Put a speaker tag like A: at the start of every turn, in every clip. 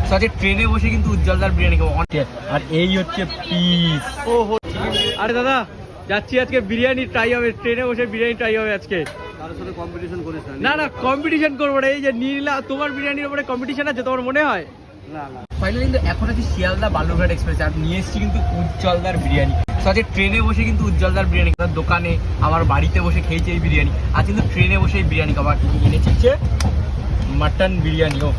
A: আজকে ট্রেনে বসে কিন্তু উজ্জ্বলদার বিরিয়ানি খাবো। আর এই হচ্ছে পিস। ও আরে দাদা যাচ্ছি, আজকে বিরিয়ানি ট্রাই হবে, ট্রেনে বসে বিরিয়ানি ট্রাই হবে আজকে।
B: কারোর সাথে কম্পিটিশন করিস
A: না না কম্পিটিশন করবো না, এই যে নীলা তোমার বিরিয়ানির উপরে কম্পিটিশন আছে তোমার মনে হয়?
B: না না।
A: ফাইনালি কিন্তু এখন আছি শিয়ালদা বালুরঘাট এক্সপ্রেস আর নিয়ে এসেছি কিন্তু উজ্জ্বলদার বিরিয়ানি। তো আজকে ট্রেনে বসে কিন্তু উজ্জ্বলদার বিরিয়ানি, দোকানে আমার বাড়িতে বসে খেয়েছি এই বিরিয়ানি, আর কিন্তু ট্রেনে বসে এই বিরিয়ানি খাবার এনেছি হচ্ছে মাটন বিরিয়ানি। ও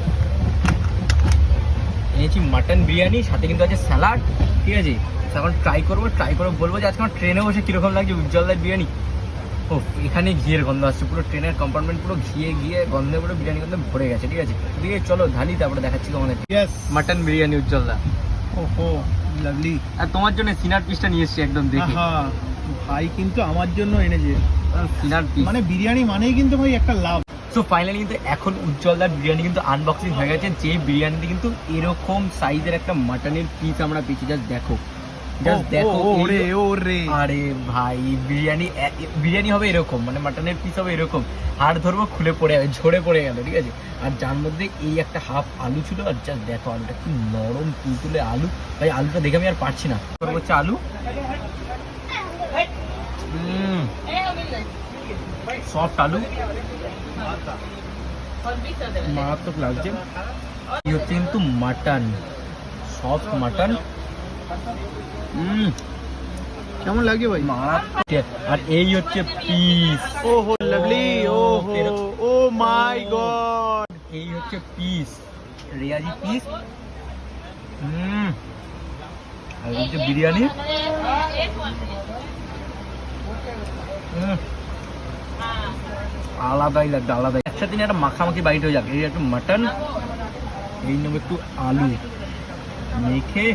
A: এনেছি মাটন বিরিয়ানি, সাথে কিন্তু আছে স্যালাড, ঠিক আছে? এখন ট্রাই করে বলবো যে আজকে আমার ট্রেনে বসে কীরকম লাগছে উজ্জ্বলদার বিরিয়ানি। ও এখানে ঘিয়ের গন্ধ আসছে, পুরো ট্রেনের কম্পার্টমেন্ট পুরো ঘিয়ে গন্ধে পুরো বিরিয়ানি গন্ধে ভরে গেছে, ঠিক আছে? ঠিক আছে চলো ঢালি, তারপরে দেখাচ্ছি তোমাদের মাটন বিরিয়ানি উজ্জ্বলদা।
B: ওহো লাভলি।
A: আর তোমার জন্য সিনার পিসটা নিয়ে এসেছি একদম দেখে।
B: ভাই কিন্তু আমার জন্য এনেছে
A: সিনার পিস,
B: মানে বিরিয়ানি মানেই কিন্তু ভাই একটা লাভ।
A: সো ফাইনালি কিন্তু এখন উজ্জ্বলদার বিরিয়ানি কিন্তু আনবক্সিং হয়ে গেছে, যে বিরিয়ানিতে কিন্তু এরকম সাইজের একটা মাটনের পিস আমরা পেয়েছি। জাস্ট দেখো আরে ভাই বিরিয়ানি হবে এরকম, মানে মাটনের পিস হবে এরকম, হাড় ধরবো খুলে পড়ে যাবে, ঝরে পড়ে গেল, ঠিক আছে? আর যার মধ্যে এই একটা হাফ আলু ছিল, আর জাস্ট দেখো আলুটা কি নরম তুলতুলে আলু। ভাই আলুটা দেখে আমি আর পারছি না। হচ্ছে আলু সফট আলু, মারাত্মক লাগছে। এই হচ্ছে কিন্তু মাটন, সফট মাটন।
B: কেমন লাগে ভাই?
A: আর এই হচ্ছে পিস।
B: ও হো লাভলি। ও ও মাই গড,
A: এই হচ্ছে পিস, রেয়াজি পিস। আর এই হচ্ছে বিরিয়ানি। আলাদাই লাগবে, আলাদাই। একসাথে একটা মাখামাখি বাইট হয়ে যাবে। এই একটু মাটন, এই নেবো একটু আলু মেখে।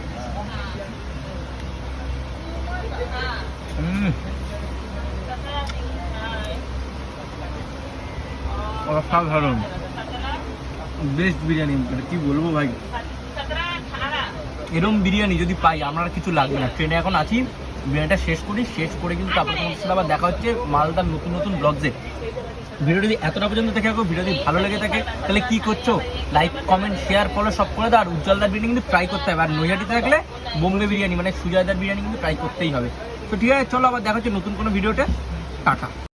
A: অসাধারণ, বেস্ট বিরিয়ানি, কি বলবো ভাই। এরম বিরিয়ানি যদি পাই আমার কিছু লাগবে না। ট্রেনে এখন আছি, বিরিয়ানিটা শেষ করে কিন্তু তারপর তোমার সাথে আবার দেখা হচ্ছে মালদার নতুন ব্লগসে। ভিডিও যদি এতটা পর্যন্ত দেখে রাখো, ভিডিও যদি ভালো লেগে থাকে তাহলে কি করছো, লাইক কমেন্ট শেয়ার ফলো সব করে দাও। আর উজ্জ্বলদার বিরিয়ানি কিন্তু ট্রাই করতে হবে, আর নৈহাটিতে থাকলে বোম্বে বিরিয়ানি মানে সুজয়দার বিরিয়ানি কিন্তু ট্রাই করতেই হবে। তো ঠিক আছে চলো আবার দেখা হচ্ছে নতুন কোনো ভিডিওতে। টাটা।